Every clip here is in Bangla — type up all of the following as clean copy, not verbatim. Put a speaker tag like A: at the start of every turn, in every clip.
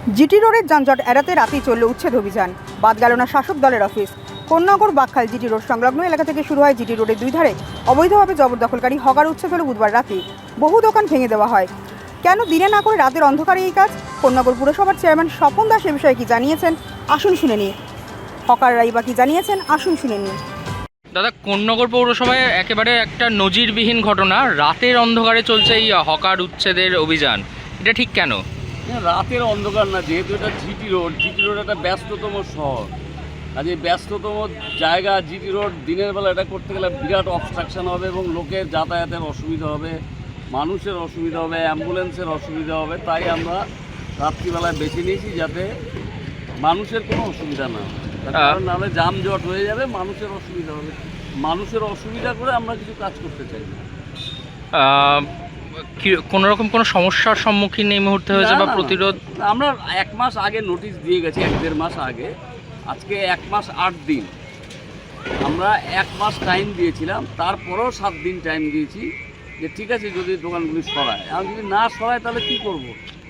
A: জিটি রোডের যানজট এড়াতে রাতেই চলল উচ্ছেদ অভিযান। বাদ গেল না শাসক দলের office. Konnagar Bakkhal GT road সংলগ্ন এলাকা থেকে শুরু হয় জিটি রোডের দুই ধারে অবৈধভাবে জবরদখলকারী হকার উচ্ছেদ হল বুধবার রাতে। বহু দোকান ভেঙে দেওয়া হয়। কেন দিনে না করে রাতের অন্ধকারে এই কাজ? কোন্নগর পুরসভার চেয়ারম্যান স্বপন দাস এ বিষয়ে কি জানিয়েছেন আসুন শুনে নিই। হকাররাই বা কি জানিয়েছেন আসুন শুনে নিই।
B: দাদা, কোন্নগর পৌরসভায় একেবারে একটা নজিরবিহীন ঘটনা, রাতের অন্ধকারে চলছে এই হকার উচ্ছেদের অভিযান। এটা ঠিক কেন?
C: রাতের অন্ধকার না, যেহেতু এটা জিটি রোড একটা ব্যস্ততম শহর, আর এই ব্যস্ততম জায়গা জিটি রোড দিনের বেলা এটা করতে গেলে বিরাট অবস্ট্রাকশন হবে এবং লোকের যাতায়াতের অসুবিধা হবে, মানুষের অসুবিধা হবে, অ্যাম্বুলেন্সের অসুবিধা হবে। তাই আমরা রাত্রিবেলায় বেছে নিয়েছি যাতে মানুষের কোনো অসুবিধা না হয়, কারণ নাহলে যানজট হয়ে যাবে, মানুষের অসুবিধা হবে। মানুষের অসুবিধা করে আমরা কিছু কাজ করতে চাই না।
B: কোনো রকম কোনো সমস্যার সম্মুখীন এই মুহূর্তে হয়েছে বা প্রতিরোধ?
C: আমরা 1 মাস আগে নোটিশ দিয়ে গেছি, 1-1.5 মাস আগে। আজকে 1 মাস 8 দিন, আমরা 1 মাস টাইম দিয়েছিলাম, তারপরেও 7 দিন টাইম দিয়েছি যে ঠিক আছে যদি দোকানগুলি সরায়। আর যদি না সরায় তাহলে কি করব?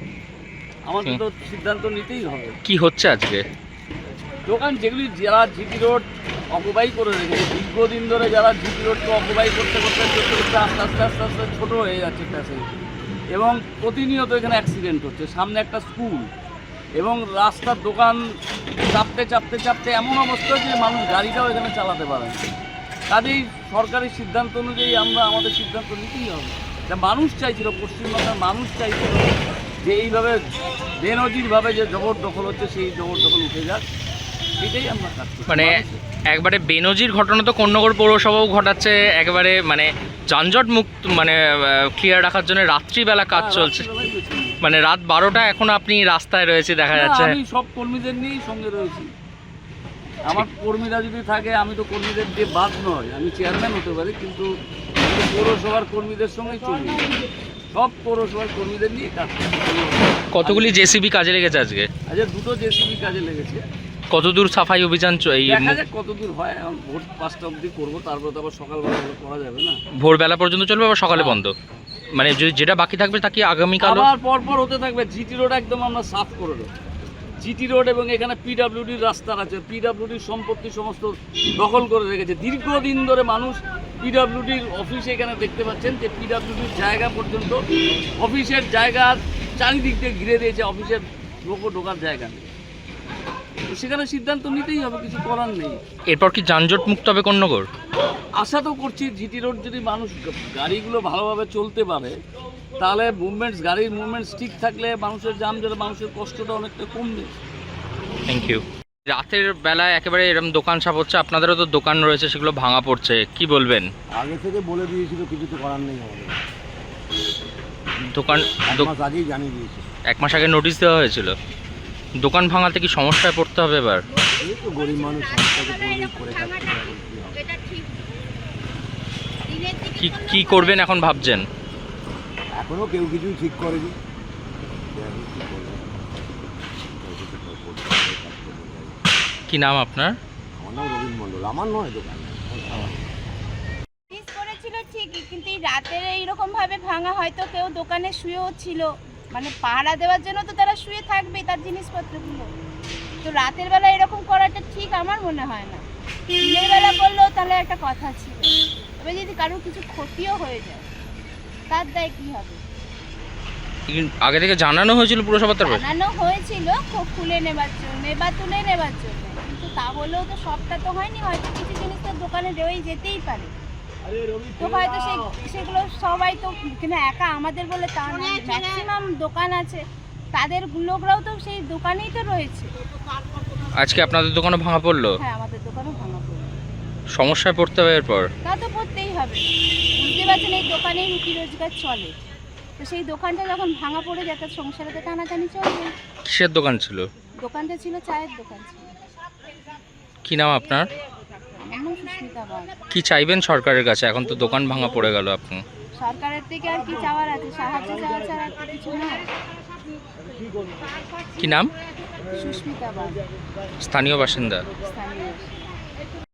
C: আমাদের তো সিদ্ধান্ত নিতেই হবে। কি
B: হচ্ছে আজকে?
C: দোকান যেগুলি যারা জিটি রোড অকুপাই করে রেখেছে দীর্ঘদিন ধরে, যারা জিটি রোডকে অকুপাই করতে করতে আস্তে আস্তে আস্তে আস্তে ছোটো হয়ে যাচ্ছে প্যাসেজ, এবং প্রতিনিয়ত এখানে অ্যাক্সিডেন্ট হচ্ছে। সামনে একটা স্কুল এবং রাস্তার দোকান চাপতে চাপতে চাপতে এমন অবস্থা যে মানুষ গাড়িটাও এখানে চালাতে পারে না। কাজেই সরকারি সিদ্ধান্ত অনুযায়ী আমরা আমাদের সিদ্ধান্ত নিতেই হবে। যা মানুষ চাইছিল, পশ্চিমবঙ্গের মানুষ চাইছিল যে এইভাবে বেনজিরভাবে যে জবরদখল হচ্ছে সেই জবরদখল উঠে যাক, এটাই আমরা কাজ করছি।
B: মানে একবারে বেনজির ঘটনা তো কোন্নগর পৌরসভাও ঘটাচ্ছে, একেবারে মানে যানজট মুক্ত মানে ক্লিয়ার রাখার জন্য রাত্রিবেলা কাজ চলছে। মানে রাত 12টা এখন আপনি রাস্তায় রয়েছে দেখা যাচ্ছে।
C: আমি সব কর্মীদের নিয়েই সঙ্গে রয়েছি। আমার কর্মীরা যদি থাকে, আমি তো কর্মীদের দিয়ে বাদ নয়, আমি চেয়ারম্যান হতে পারি, কিন্তু পৌরসভার কর্মীদের সঙ্গেই চলি। সব পৌরসভার কর্মীদের নিয়ে কাজ করছি।
B: কতগুলি জেসিবি কাজে লেগেছে আজকে?
C: আজকে 2টো জেসিবি কাজে লেগেছে।
B: কতদূর সাফাই অভিযান
C: দেখা যাক কতদূর হয়। এখন ভোর 5টা অবধি করবো, তারপর তো আবার সকালবেলা করা যাবে না।
B: ভোরবেলা পর্যন্ত চলবে আবার সকালে বন্ধ? মানে যেটা বাকি থাকবে তা কি আগামীকাল
C: আবার পরপর হতে থাকবে? জিটি রোড একদম আমরা সাফ করে দেবো। জিটি রোড এবং এখানে পিডাব্লিউডির রাস্তা আছে, পিডাব্লিউডির সম্পত্তি সমস্ত দখল করে রেখেছে। দীর্ঘদিন ধরে মানুষ পিডাব্লিউডির অফিসে এখানে দেখতে পাচ্ছেন যে পিডাব্লিউডির জায়গা পর্যন্ত, অফিসের জায়গা চারিদিক দিয়ে ঘিরে দিয়েছে, অফিসের লোকও ঢোকার জায়গা নেই। সেখানে সিদ্ধান্ত নিতেই হবে, কিছু করার নেই।
B: এরপর কি যানজট মুক্ত হবে কোন্নগর?
C: আশা তো করছি জিটি রোড যদি মানুষ গাড়িগুলো ভালোভাবে চলতে পারে, তাহলে গাড়ির মুভমেন্টস ঠিক থাকলে মানুষের যানজটে মানুষের কষ্টটা অনেকটা কমবে।
B: Thank you. রাতের বেলায় একেবারে এরকম দোকান সাপ হচ্ছে, আপনাদেরও তো দোকান রয়েছে, সেগুলো ভাঙা পড়ছে, কি বলবেন?
D: আগে থেকে বলে দিয়েছিল, কিছু তো করার নেই আমাদের।
B: দোকান
D: 1 মাস আগেই জানিয়ে দিয়েছে।
B: 1 মাস আগে নোটিশ দেওয়া হয়েছিল। দোকান ভাঙাতে কি সমস্যায় পড়তে হবে এবার?
D: এই তো গরিব মানুষ করে
B: কি করবেন এখন ভাবছেন?
D: এখনো কেউ কিছুই ঠিক করেনি।
B: কি নাম আপনার?
D: আমার নাম রবীন মণ্ডল। আমার নয় দোকান
E: করেছিল ঠিকই, কিন্তু এই রাতের এইরকম ভাবে ভাঙা, হয়তো কেউ দোকানে শুয়েও ছিল, মানে পাহারা দেওয়ার জন্য তো তারা শুয়ে থাকবে তার জিনিসপত্রগুলো। তো রাতের বেলা এরকম করাটা ঠিক আমার মনে হয় না। দিনের বেলা করলেও তাহলে একটা কথা ছিল। তবে যদি কারোর কিছু ক্ষতিও হয়ে যায়, তার দায় কি হবে?
B: আগে থেকে জানানো হয়েছিল পুরসভার তরফে?
E: জানানো হয়েছিল খুলে নেবার জন্য বা তুলে নেবার জন্য, কিন্তু তা বলেও তো সবটা তো হয়নি। হয়তো কিছু জিনিস তো দোকানে রয়েই যেতেই পারে। তো হয়তো সেগুলো সবাই তো কিনা একা আমাদের বলে তা না, ম্যাক্সিমাম দোকান আছে, তাদের লোকরাও তো সেই দোকানেই তো রয়েছে।
B: আজকে আপনাদের দোকানও ভাঙা পড়লো?
E: হ্যাঁ, আমাদের দোকানও ভাঙা পড়লো।
B: সমস্যায় পড়তে হবে এরপর?
E: তা তো পড়তেই হবে। বুঝতে পারছেন, এই দোকানেই রুটি রোজগার চলে। তো সেই দোকানটা যখন ভাঙা পড়ে যায়, তার সংসারে তো টানাটানি চলবে।
B: কিসের দোকান ছিল?
E: দোকানটা ছিল চায়ের দোকান ছিল।
B: কি নাম আপনার?
E: সুস্মিতা বাগ।
B: কি চাইবেন সরকারের কাছে? এখন তো দোকান ভাঙা পড়ে গেল, আপনি
E: সরকারের থেকে আর কি চাওয়ার আছে? সাহায্য চাওয়া ছাড়া আর কিছু না।
B: কি নাম?
E: সুস্মিতা বাগ,
B: স্থানীয় বাসিন্দা।
E: স্থানীয়।